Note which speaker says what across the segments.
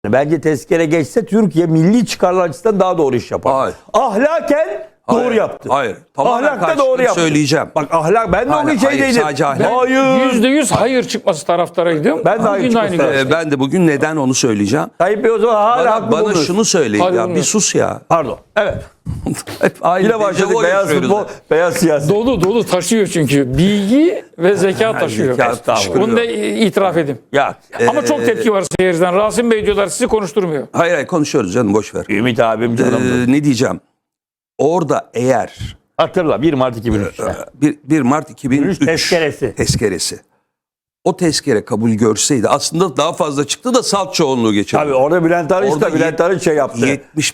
Speaker 1: Bence tezkere geçse Türkiye milli çıkarlar açısından daha doğru iş yapar.
Speaker 2: Hayır.
Speaker 1: Ahlaken doğru yaptı.
Speaker 2: Hayır. Tamamen
Speaker 1: Ahlakta doğru yaptı.
Speaker 2: söyleyeceğim.
Speaker 1: Bak ahlak ben de onun şeydeydim.
Speaker 2: Sadece ahlak.
Speaker 1: Hayır.
Speaker 3: %100 hayır çıkması taraftarıydım.
Speaker 1: Ben de hayır
Speaker 3: Bugün de aynı
Speaker 1: çıkması
Speaker 3: görüşteyim.
Speaker 2: Ben de bugün neden onu söyleyeceğim.
Speaker 1: Tayyip Bey o zaman hala haklı
Speaker 2: Bana
Speaker 1: buluyorsun.
Speaker 2: şunu söyleyin
Speaker 3: Hayır,
Speaker 2: ya. Bir
Speaker 3: bulmuyorum.
Speaker 2: sus ya.
Speaker 1: Pardon. Evet.
Speaker 2: Hep aynı
Speaker 1: Yine başladık.
Speaker 2: dejavu
Speaker 1: Beyaz
Speaker 2: yaşıyoruz
Speaker 1: futbol,
Speaker 2: ya.
Speaker 1: beyaz siyaset.
Speaker 3: Dolu taşıyor çünkü. Bilgi ve zeka taşıyor.
Speaker 2: zeka taşıyor.
Speaker 3: Bunu da itiraf edeyim.
Speaker 1: Ya.
Speaker 3: Ama çok tepki var seyirciden. Rasim Bey diyorlar sizi konuşturmuyor.
Speaker 2: Hayır konuşuyoruz canım boş ver.
Speaker 1: Ümit abim canım.
Speaker 2: Ne diyeceğim? Orada eğer
Speaker 1: Hatırla 1 Mart 2003'te.
Speaker 2: 1 Mart 2003
Speaker 1: tezkeresi.
Speaker 2: tezkeresi. O tezkere kabul görseydi aslında daha fazla çıktı da salt çoğunluğu geçirdi.
Speaker 1: Tabii orada Bülent Arınç
Speaker 2: Orada
Speaker 1: da Bülent Arınç şey yaptı.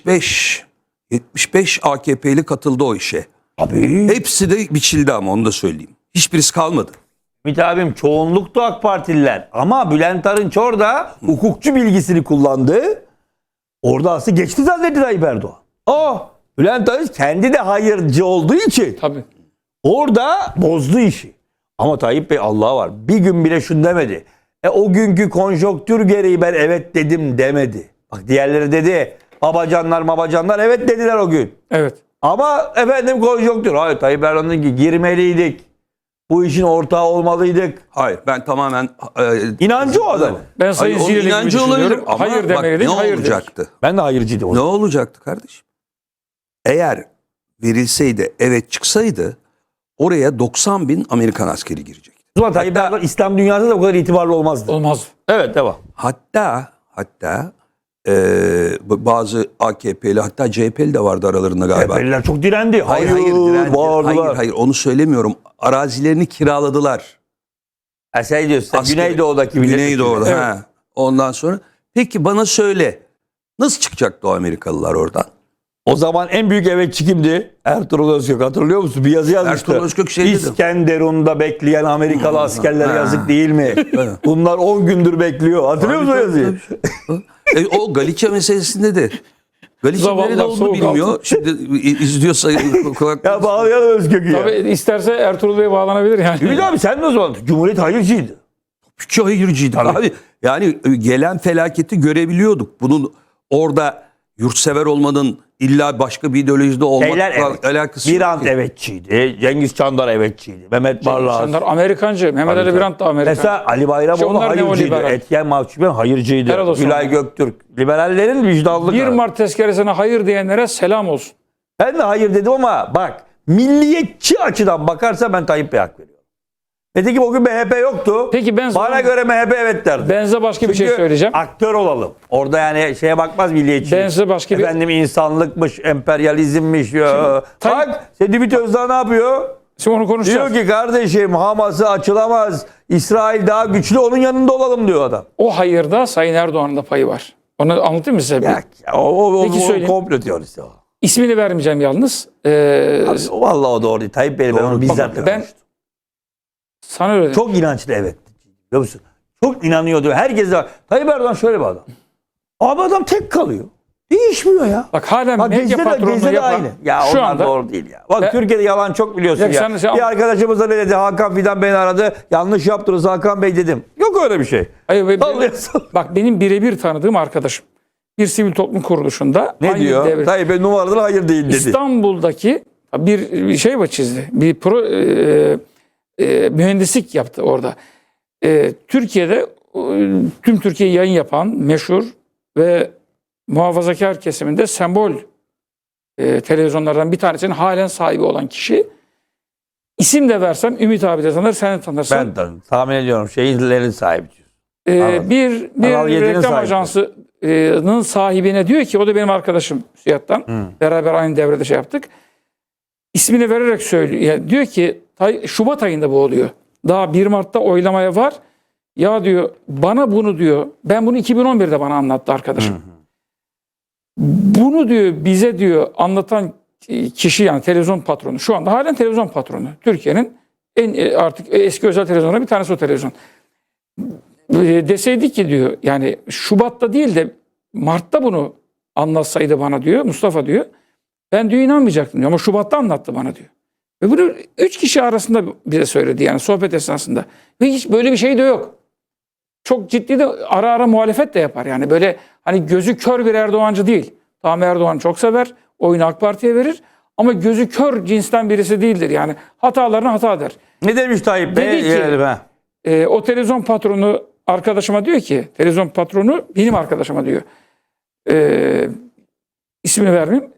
Speaker 2: 75 AKP'li katıldı o işe.
Speaker 1: Abi.
Speaker 2: Hepsi de biçildi ama onu da söyleyeyim. Hiçbirisi kalmadı.
Speaker 1: Ümit abim çoğunluktu AK Partililer. Ama Bülent Arınç orada hukukçu bilgisini kullandı. Orada aslında geçti zannetti Tayyip Erdoğan. Bülent Arınç kendi de hayırcı olduğu için
Speaker 3: Tabii.
Speaker 1: orada bozdu işi. Ama Tayyip Bey Allah'a var. Bir gün bile şunu demedi. O günkü konjonktür gereği ben evet dedim demedi. Bak diğerleri dedi. Babacanlar evet dediler o gün.
Speaker 3: Evet.
Speaker 1: Ama efendim konjonktür. Hayır Tayyip Erdoğan dedi ki girmeliydik. Bu işin ortağı olmalıydık.
Speaker 2: Hayır ben tamamen
Speaker 1: İnancı o adam.
Speaker 3: Ben Sayın
Speaker 2: onun
Speaker 3: Ziyeli gibi
Speaker 2: inancı olabilir
Speaker 3: düşünüyorum.
Speaker 2: ama
Speaker 3: Hayır
Speaker 2: bak,
Speaker 3: demeliydik.
Speaker 2: ne
Speaker 3: Hayır dedik.
Speaker 2: olacaktı?
Speaker 1: Ben de hayırcıydım o
Speaker 2: Ne
Speaker 1: zaman.
Speaker 2: olacaktı kardeşim? Eğer verilseydi evet çıksaydı oraya 90 bin Amerikan askeri girecekti.
Speaker 1: O zaman Tayyip Erdoğan İslam dünyasında da bu kadar itibarlı olmazdı.
Speaker 3: Olmaz.
Speaker 1: Evet devam.
Speaker 2: Hatta bazı AKP'li hatta CHP'li de vardı aralarında galiba.
Speaker 1: CHP'liler çok direndi.
Speaker 2: Hayır direndi.
Speaker 1: Bağırdılar.
Speaker 2: Hayır onu söylemiyorum. Arazilerini kiraladılar.
Speaker 1: Sen diyorsun.
Speaker 2: Asker-
Speaker 1: Güneydoğu'daki
Speaker 2: Güneydoğu'da.
Speaker 3: Evet.
Speaker 2: Ha. Ondan sonra peki bana söyle nasıl çıkacaktı o Amerikalılar oradan?
Speaker 1: O zaman en büyük evetçi kimdi? Ertuğrul Özkök. Hatırlıyor musun? Bir yazı yazmıştı.
Speaker 2: Ertuğrul Özkök şey dedi.
Speaker 1: İskenderun'da bekleyen Amerikalı askerler yazık değil mi? Bunlar 10 gündür bekliyor. Hatırlıyor musun o yazıyı?
Speaker 2: O Galicia meselesinde de. Galicia
Speaker 3: Zavallılar
Speaker 2: nerede olduğunu
Speaker 3: soğuk
Speaker 2: bilmiyor.
Speaker 3: altın.
Speaker 2: Şimdi izliyorsa
Speaker 1: Ya bağlayalım Özkök'ü ya.
Speaker 3: Tabii isterse Ertuğrul Bey bağlanabilir yani.
Speaker 1: Ümit abi sen de o zaman Cumhuriyet hayırcıydı.
Speaker 2: Hiç hayırcıydık abi. Yani gelen felaketi görebiliyorduk. Bunun orada yurtsever olmanın illa başka bir ideolojide olmakla
Speaker 1: Evet.
Speaker 2: alakası yok
Speaker 1: Birant
Speaker 2: ki.
Speaker 1: evetçiydi. Cengiz Çandar evetçiydi. Mehmet Barlas.
Speaker 3: İnsanlar Amerikancı. Mehmet Ali Birant da Amerikan.
Speaker 1: Mesela Ali Bayramoğlu
Speaker 3: Onlar
Speaker 1: hayırcıydı.
Speaker 3: neoliberal.
Speaker 1: Etyen Mahçupyan hayırcıydı.
Speaker 3: Helal olsun
Speaker 1: Gülay
Speaker 3: ona.
Speaker 1: Göktürk. Liberallerin vicdanlı
Speaker 3: 1
Speaker 1: kararı.
Speaker 3: Mart tezkeresine hayır diyenlere selam olsun.
Speaker 1: Ben de hayır dedim ama bak milliyetçi açıdan bakarsa ben Tayyip Bey'e hak veriyorum. Nitekim o gün MHP yoktu.
Speaker 3: Peki ben
Speaker 1: Bana göre MHP evet derdi.
Speaker 3: Ben size başka bir şey
Speaker 1: Çünkü
Speaker 3: söyleyeceğim.
Speaker 1: aktör olalım. Orada yani şeye bakmaz milliyetçi.
Speaker 3: Ben size başka bir...
Speaker 1: Efendim insanlıkmış, emperyalizmmiş. Ya.
Speaker 3: Tayyip-
Speaker 1: Bak Sedimit Özdağ ne yapıyor?
Speaker 3: Şimdi onu konuşacağız.
Speaker 1: Diyor ki kardeşim Hamas'ı açılamaz. İsrail daha güçlü onun yanında olalım diyor adam.
Speaker 3: O hayırda Sayın Erdoğan'ın da payı var. Onu anlatayım mı size?
Speaker 1: Ya, o
Speaker 3: Peki söyleyeyim.
Speaker 1: komplo teorisi o.
Speaker 3: İsmini vermeyeceğim yalnız.
Speaker 1: Vallahi o doğru değil. Tayyip Bey ben onu bizzat
Speaker 3: ben
Speaker 1: konuştum.
Speaker 3: sana öyle dedim.
Speaker 1: Çok inançlı evet. Biliyor musun? Çok inanıyordu. Herkes de Tayyip Erdoğan şöyle bir adam. Abi adam tek kalıyor. Değişmiyor ya.
Speaker 3: Bak halen
Speaker 1: Bak
Speaker 3: medya
Speaker 1: Gezi'de
Speaker 3: patronluğu
Speaker 1: de
Speaker 3: yapan
Speaker 1: aynı. Ya
Speaker 3: şu
Speaker 1: onlar
Speaker 3: anda
Speaker 1: doğru değil ya. Bak
Speaker 3: Ben-
Speaker 1: Türkiye'de yalan çok biliyorsun
Speaker 3: Ya
Speaker 1: ya.
Speaker 3: sen-
Speaker 1: Bir arkadaşımız da ne dedi? Hakan Fidan beni aradı. Yanlış yaptınız Hakan Bey dedim. Yok öyle bir şey.
Speaker 3: Hayır,
Speaker 1: Sallıyorsun.
Speaker 3: bak benim birebir tanıdığım arkadaşım bir sivil toplum kuruluşunda
Speaker 1: Ne
Speaker 3: aynı
Speaker 1: diyor?
Speaker 3: devlet-
Speaker 1: Tayyip Bey numaraları hayır değil dedi.
Speaker 3: İstanbul'daki bir şey var çizdi. Bir mühendislik yaptı orada. Türkiye'de tüm Türkiye yayın yapan meşhur ve muhafazakar kesiminde sembol televizyonlardan bir tanesinin halen sahibi olan kişi. İsim de versem Ümit abi de tanır, sen de tanırsın.
Speaker 1: Ben tahmin ediyorum şehirlerin sahibi. Anladım.
Speaker 3: Bir
Speaker 1: Kanal 7'nin
Speaker 3: reklam
Speaker 1: sahibi.
Speaker 3: ajansının sahibine diyor ki o da benim arkadaşım Siyat'tan. Beraber aynı devrede şey yaptık. İsmini vererek söylüyor. Yani diyor ki Şubat ayında bu oluyor. Daha 1 Mart'ta oylamaya var. Ya diyor bana bunu diyor. Ben bunu 2011'de bana anlattı arkadaşım. Bunu diyor bize diyor anlatan kişi yani televizyon patronu. Şu anda halen televizyon patronu. Türkiye'nin en artık eski özel televizyonlarından bir tanesi o televizyon. Deseydi ki diyor yani Şubat'ta değil de Mart'ta bunu anlatsaydı bana diyor Mustafa diyor. Ben diyor inanmayacaktım diyor ama Şubat'ta anlattı bana diyor. Ve bunu 3 kişi arasında bize söyledi yani sohbet esnasında. Ve hiç böyle bir şey de yok. çok ciddi de ara ara muhalefet de yapar. Yani böyle hani gözü kör bir Erdoğancı değil. Tamam, Erdoğan çok sever. Oyunu AK Parti'ye verir. Ama gözü kör cinsten birisi değildir. Yani hatalarına hata der.
Speaker 1: Ne demiş Tayyip Bey?
Speaker 3: Dedi ki-
Speaker 1: Gelelim, ha.
Speaker 3: O televizyon patronu arkadaşıma diyor ki, televizyon patronu benim arkadaşıma diyor. İsmini vermeyeyim.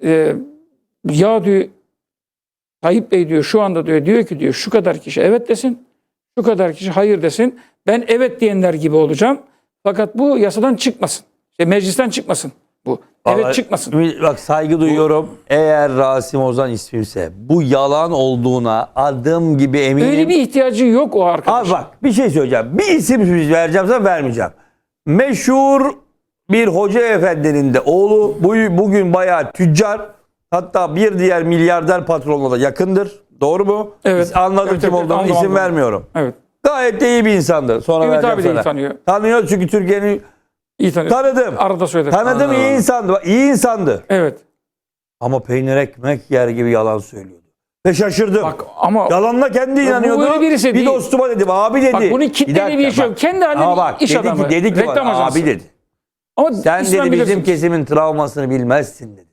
Speaker 3: Ya diyor, Tayyip Bey diyor şu anda diyor ki diyor şu kadar kişi evet desin, şu kadar kişi hayır desin. Ben evet diyenler gibi olacağım. Fakat bu yasadan çıkmasın. Meclisten çıkmasın bu. Evet
Speaker 1: Vallahi,
Speaker 3: çıkmasın.
Speaker 1: Bak saygı duyuyorum. Eğer Rasim Ozan ismimse bu yalan olduğuna adım gibi eminim.
Speaker 3: Öyle bir ihtiyacı yok o arkadaşın.
Speaker 1: Abi bak bir şey söyleyeceğim. Bir isim vereceğim sana vermeyeceğim. Meşhur bir hoca efendinin de oğlu bugün bayağı tüccar. Hatta bir diğer milyarder patronla da yakındır. Doğru mu?
Speaker 3: Evet.
Speaker 1: Anladım
Speaker 3: Evet,
Speaker 1: kim
Speaker 3: evet,
Speaker 1: olduğunu.
Speaker 3: anladım,
Speaker 1: İsim
Speaker 3: anladım.
Speaker 1: vermiyorum.
Speaker 3: Evet.
Speaker 1: Gayet de iyi bir insandır. Sonra
Speaker 3: Ümit
Speaker 1: vereceğim
Speaker 3: abi de iyi
Speaker 1: sana.
Speaker 3: tanıyor.
Speaker 1: Tanıyor çünkü Türkiye'nin
Speaker 3: İyi tanıyor.
Speaker 1: tanıdım.
Speaker 3: Arada söyledim.
Speaker 1: Tanıdım iyi insandı. Bak, İyi insandı.
Speaker 3: Evet.
Speaker 1: Ama peynir ekmek yer gibi yalan söylüyordu. Ve şaşırdım.
Speaker 3: Bak ama
Speaker 1: Yalanla kendi inanıyordu.
Speaker 3: öyle birisi
Speaker 1: bir
Speaker 3: değil.
Speaker 1: dostuma dedim abi dedi.
Speaker 3: bak bunun kitleli bir işi yok. Kendi
Speaker 1: Ama
Speaker 3: halinde
Speaker 1: bak
Speaker 3: iş
Speaker 1: dedi
Speaker 3: adamı.
Speaker 1: ki, dedi ki
Speaker 3: reklam
Speaker 1: bana,
Speaker 3: ajansı.
Speaker 1: abi dedi.
Speaker 3: Ama
Speaker 1: Sen
Speaker 3: ismen
Speaker 1: dedi bizim
Speaker 3: bilirsiniz.
Speaker 1: kesimin travmasını bilmezsin dedi.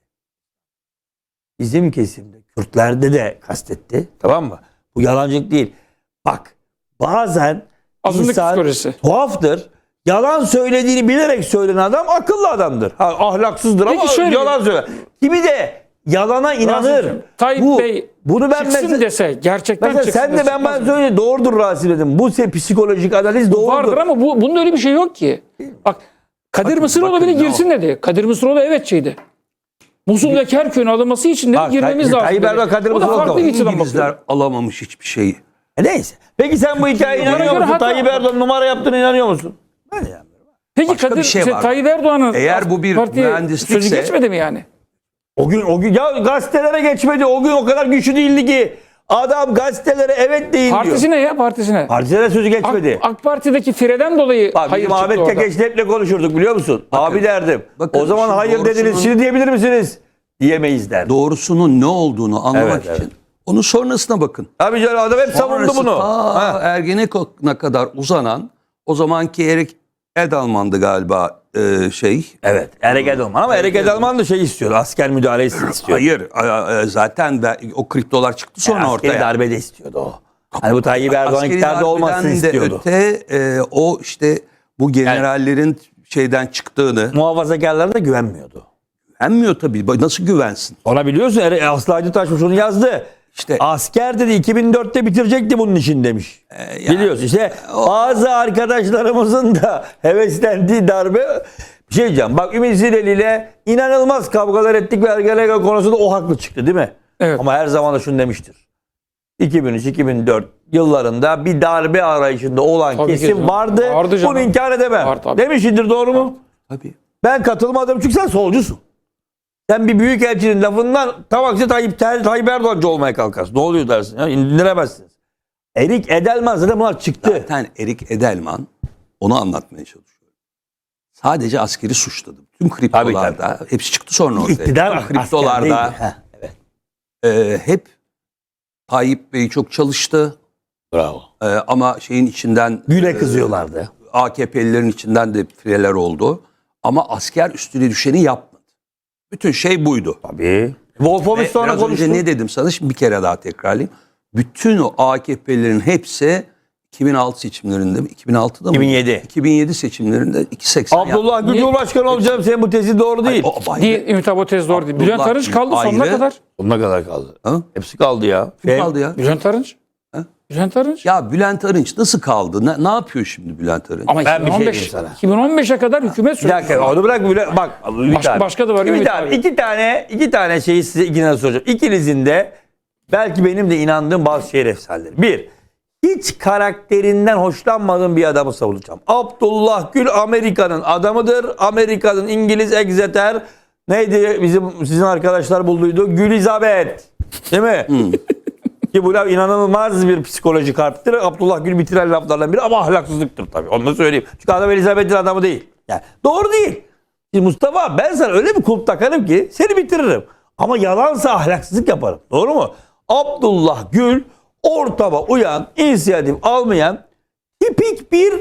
Speaker 1: Bizim kesimde Kürtlerde de kastetti. Tamam mı? Bu yalancılık değil. Bak bazen
Speaker 3: Azınlık
Speaker 1: insan
Speaker 3: psikolojisi.
Speaker 1: tuhaftır. Yalan söylediğini bilerek söyleyen adam akıllı adamdır. Ha, ahlaksızdır
Speaker 3: Peki
Speaker 1: ama
Speaker 3: şöyle-
Speaker 1: yalan söyler. Kimi de yalana inanır.
Speaker 3: Rasim'cim, Tayyip Bey
Speaker 1: bunu ben
Speaker 3: çıksın
Speaker 1: mesela,
Speaker 3: dese gerçekten
Speaker 1: mesela
Speaker 3: çıksın
Speaker 1: sen de
Speaker 3: dese
Speaker 1: ben
Speaker 3: çıkmaz mı?
Speaker 1: söyle doğrudur Rasim dedim. Bu psikolojik analiz doğrudur.
Speaker 3: Vardır ama bunda öyle bir şey yok ki. Bak Kadir Mısıroğlu bile
Speaker 2: bakın,
Speaker 3: girsin dedi. Kadir Mısıroğlu evetçiydi. Musul'daki her köyün alınması için dedi
Speaker 1: Bak,
Speaker 3: girmemiz lazım.
Speaker 1: Tayyip
Speaker 3: dedi.
Speaker 1: Erdoğan, Kadir
Speaker 3: O da
Speaker 1: Mısıroğlu
Speaker 3: farklı bir açıdan
Speaker 2: İngilizler
Speaker 3: bakıyor.
Speaker 2: alamamış hiçbir şeyi.
Speaker 1: Neyse. Peki sen bu hikayeye
Speaker 3: Bana
Speaker 1: inanıyor
Speaker 3: göre
Speaker 1: musun?
Speaker 3: hata-
Speaker 1: Tayyip Erdoğan numara yaptığına inanıyor musun? Ben inanmıyorum.
Speaker 3: Peki
Speaker 2: Başka
Speaker 3: Kadir,
Speaker 2: bir şey var.
Speaker 3: Tayyip Erdoğan'ın
Speaker 2: Eğer bu bir
Speaker 3: partiye
Speaker 2: mühendislikse-
Speaker 3: sözü geçmedi mi yani?
Speaker 1: O gün ya gazetelere geçmedi. O gün o kadar güçlü değildi ki. Adam gazetelere evet deyin diyor.
Speaker 3: Partisine ya partisine.
Speaker 1: Partilere sözü geçmedi.
Speaker 3: AK Parti'deki fireden dolayı
Speaker 1: Bak
Speaker 3: hayır
Speaker 1: bizim
Speaker 3: çıktı
Speaker 1: Ahmet
Speaker 3: orada.
Speaker 1: Kekeç'le hep konuşurduk biliyor musun? Abi derdim.
Speaker 2: bakın
Speaker 1: O zaman
Speaker 2: işin
Speaker 1: hayır dediniz.
Speaker 2: doğrusunun-
Speaker 1: Şimdi diyebilir misiniz? Diyemeyiz derdim.
Speaker 2: Doğrusunun ne olduğunu anlamak
Speaker 1: Evet,
Speaker 2: için onun sonrasına bakın.
Speaker 1: Abi canım adam hep savundu
Speaker 2: Sonrası
Speaker 1: bunu.
Speaker 2: ta
Speaker 1: Ha.
Speaker 2: Ergenekon'a kadar uzanan o zamanki Erik Edelman'dı galiba
Speaker 1: Evet. Erek Edelman ama Erek Edelman da şey istiyordu. Asker müdahalesi istiyordu.
Speaker 2: Hayır zaten o kriptolar çıktı sonra
Speaker 1: Askeri
Speaker 2: ortaya.
Speaker 1: darbe de istiyordu o. Hani bu Tayyip Erdoğan
Speaker 2: Askeri
Speaker 1: iktidarda olmasını
Speaker 2: darbeden de
Speaker 1: istiyordu.
Speaker 2: öte o işte bu generallerin şeyden çıktığını
Speaker 1: Muhafazakarlara da güvenmiyordu.
Speaker 2: güvenmiyor tabii. Nasıl güvensin?
Speaker 1: Ona biliyorsun Aslı Hacı Taşmış onu yazdı.
Speaker 2: İşte
Speaker 1: Asker dedi 2004'te bitirecekti bunun için demiş. Biliyorsun işte bazı arkadaşlarımızın da heveslendiği darbe bir şey diyeceğim. Bak Ümit Zileli ile inanılmaz kavgalar ettik ve Ergenekon konusunda o haklı çıktı değil mi?
Speaker 3: Evet.
Speaker 1: Ama her zaman da şunu demiştir. 2003-2004 yıllarında bir darbe arayışında olan
Speaker 3: Tabii ki
Speaker 1: kesim
Speaker 3: canım.
Speaker 1: vardı.
Speaker 3: Vardı canım.
Speaker 1: Bunu inkar edemem.
Speaker 3: Var tabii.
Speaker 1: Demişindir doğru mu?
Speaker 2: tabii.
Speaker 1: Ben katılmadım çünkü sen solcusun. Sen bir büyükelçinin lafından tam aksi Tayyip Erdoğancı olmaya kalkarsın. Ne oluyor dersin? Ya, indiremezsiniz. Erik Edelman zaten bunlar çıktı.
Speaker 2: Zaten Erik Edelman onu anlatmaya çalışıyor. Sadece askeri suçladı. Tüm kriptolarda hepsi çıktı sonra ortaya.
Speaker 1: İktidar
Speaker 2: Tüm kriptolarda
Speaker 1: askerdeydi. Evet.
Speaker 2: hep Tayyip Bey çok çalıştı.
Speaker 1: Bravo.
Speaker 2: Ama şeyin içinden
Speaker 1: Güle kızıyorlardı.
Speaker 2: AKP'lilerin içinden de fileler oldu. Ama asker üstüne düşeni yapmadı. Bütün şey buydu.
Speaker 1: Tabii. Wolfowitz
Speaker 2: Ve
Speaker 1: sonra
Speaker 2: biraz
Speaker 1: konuştu.
Speaker 2: önce ne dedim sana? Şimdi bir kere daha tekrarlayayım. Bütün o AKP'lilerin hepsi 2006 seçimlerinde mi? 2006'da mı?
Speaker 1: 2007.
Speaker 2: 2007 seçimlerinde 2.80
Speaker 1: Abdullah Gül
Speaker 3: Niye-
Speaker 1: Cumhurbaşkanı olacağım. Senin bu tezi doğru değil.
Speaker 3: Değil, Ümit abi o tez doğru değil. Bülent
Speaker 2: Abdullah
Speaker 3: Arınç kaldı
Speaker 2: Gül
Speaker 3: sonuna
Speaker 2: ayrı.
Speaker 3: kadar.
Speaker 1: Sonuna kadar kaldı.
Speaker 2: Ha?
Speaker 1: Hepsi kaldı ya.
Speaker 2: Kim kaldı ya?
Speaker 3: Bülent Arınç.
Speaker 2: Ha?
Speaker 3: Bülent Arınç.
Speaker 2: Ya Bülent Arınç nasıl kaldı? Ne yapıyor şimdi Bülent Arınç?
Speaker 3: Ama
Speaker 1: Ben bir şey
Speaker 3: 2015,
Speaker 1: diyeyim sana.
Speaker 3: 2015'e kadar hükümet
Speaker 1: Bir
Speaker 3: sürdü.
Speaker 1: dakika onu bırak bile. Bak Ümit abi.
Speaker 3: başka da var Ümit abi.
Speaker 1: İki tane şeyi size ikinize soracağım. İkinizin de belki benim de inandığım bazı şehir efsaneleri. Bir, hiç karakterinden hoşlanmadığım bir adamı savunacağım. Abdullah Gül Amerika'nın adamıdır. Amerika'nın İngiliz Exeter neydi sizin arkadaşlar bulduydu? Gülizabeth. Değil mi? Ki bu laf inanılmaz bir psikolojik harptir. Abdullah Gül bitiren laflardan biri ama ahlaksızlıktır tabii. Onu da söyleyeyim. Çünkü adam Elizabeth'in adamı değil. Yani doğru değil. Şimdi Mustafa ben sana öyle bir kulp takarım ki seni bitiririm. Ama yalansa ahlaksızlık yaparım. Doğru mu? Abdullah Gül ortama uyan, inisiyatif almayan tipik bir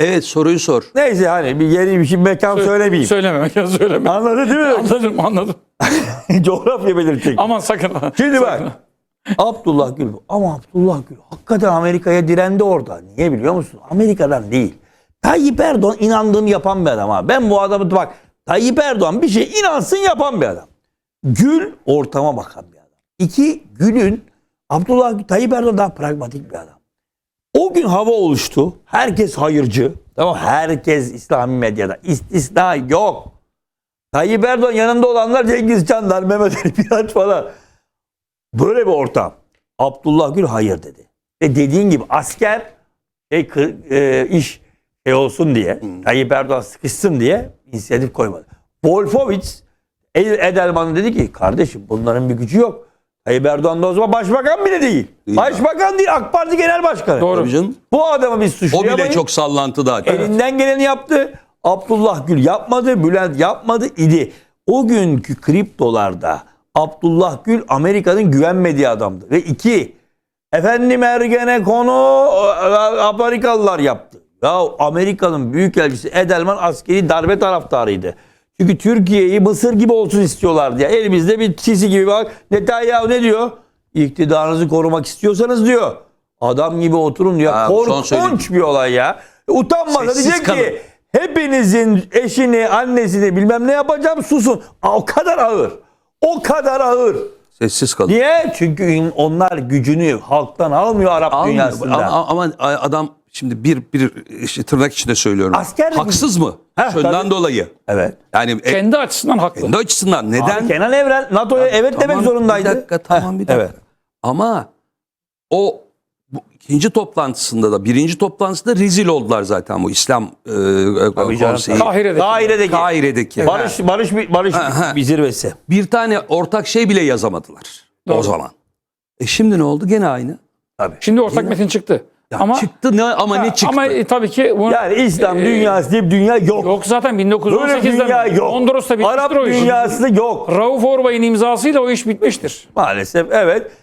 Speaker 2: Evet, soruyu sor.
Speaker 1: Neyse hani bir yeri bir şey mekan söylemeyeyim.
Speaker 3: Söyleme.
Speaker 1: Anladın değil mi?
Speaker 3: Anladım.
Speaker 1: Coğrafya belirtecek.
Speaker 3: Aman sakın.
Speaker 1: Şimdi bak.
Speaker 3: Sakın.
Speaker 1: Abdullah Gül. Ama Abdullah Gül hakikaten Amerika'ya direndi orada. Niye biliyor musun? Amerika'dan değil. Tayyip Erdoğan inandığım yapan bir adam ha. Ben bu adamı bak. Tayyip Erdoğan bir şey inansın yapan bir adam. Gül ortama bakan bir adam. İki, Gül'ün Tayyip Erdoğan daha pragmatik bir adam. O gün hava oluştu. Herkes hayırcı. Tamam. Herkes İslami medyada. İstisna yok. Tayyip Erdoğan yanında olanlar Cengiz Çandar, Mehmet Ali Piraç falan. Böyle bir ortam. Abdullah Gül hayır dedi. Ve dediğin gibi asker iş olsun diye, Tayyip Erdoğan sıkışsın diye inisiyatif koymadı. Wolfowitz Edelman'a dedi ki kardeşim bunların bir gücü yok. Tayyip Erdoğan da o zaman başbakan bile değil. Başbakan değil, AK Parti Genel Başkanı.
Speaker 3: Doğru.
Speaker 2: Tabii canım.
Speaker 1: Bu adamı biz
Speaker 2: O
Speaker 1: suçlayamayız.
Speaker 2: bile çok sallantıda.
Speaker 1: Elinden geleni yaptı. Abdullah Gül yapmadı. Bülent yapmadı idi. O günkü kriptolarda Abdullah Gül Amerika'nın güvenmediği adamdı. Ve iki, efendim Ergenekon'u Amerikalılar yaptı. Ya Amerika'nın büyükelçisi Edelman askeri darbe taraftarıydı. Çünkü Türkiye'yi Mısır gibi olsun istiyorlardı. Ya. Elimizde bir Sisi gibi bak. Netanyahu ne diyor? İktidarınızı korumak istiyorsanız diyor. Adam gibi oturun diyor.
Speaker 2: Ha, son söylediğim.
Speaker 1: Korkunç bir olay ya. Utanmasa
Speaker 2: Sessiz
Speaker 1: diyecek
Speaker 2: kalın.
Speaker 1: ki hepinizin eşini, annesini bilmem ne yapacağım susun. O kadar ağır. O kadar ağır.
Speaker 2: Sessiz kalın.
Speaker 1: Niye? Çünkü onlar gücünü halktan almıyor Arap
Speaker 2: Almıyor.
Speaker 1: dünyasında.
Speaker 2: Ama adam şimdi bir işte tırnak içinde söylüyorum.
Speaker 1: Asker de-
Speaker 2: Haksız mı?
Speaker 1: Heh,
Speaker 2: Şundan
Speaker 1: tabii.
Speaker 2: dolayı.
Speaker 1: Evet.
Speaker 2: Yani
Speaker 3: Kendi açısından haklı.
Speaker 2: kendi açısından neden?
Speaker 1: Abi Kenan Evren NATO'ya evet demek zorundaydı.
Speaker 2: Bir dakika, tamam, bir dakika.
Speaker 1: Evet.
Speaker 2: Ama bu ikinci toplantısında da birinci toplantısında rezil oldular zaten bu İslam
Speaker 1: Tabii canım.
Speaker 2: konseyi.
Speaker 3: Kahire'deki.
Speaker 2: Kahire'deki.
Speaker 1: Barış bir zirvesi.
Speaker 2: Bir tane ortak şey bile yazamadılar o
Speaker 3: Doğru.
Speaker 2: zaman. Şimdi ne oldu? Gene aynı.
Speaker 3: Şimdi ortak metin çıktı.
Speaker 2: Ya
Speaker 3: ama
Speaker 2: çıktı ne ama ne çıktı?
Speaker 3: Ama tabii ki bunu,
Speaker 1: Yani İslam dünyası diye bir dünya yok.
Speaker 3: yok zaten
Speaker 1: Böyle dünya
Speaker 3: 1918'de
Speaker 1: yok.
Speaker 3: Honduras'ta bitmiştir
Speaker 1: Arap
Speaker 3: o iş.
Speaker 1: dünyası da yok.
Speaker 3: Rauf Orbay'ın imzasıyla o iş bitmiştir.
Speaker 1: Maalesef evet.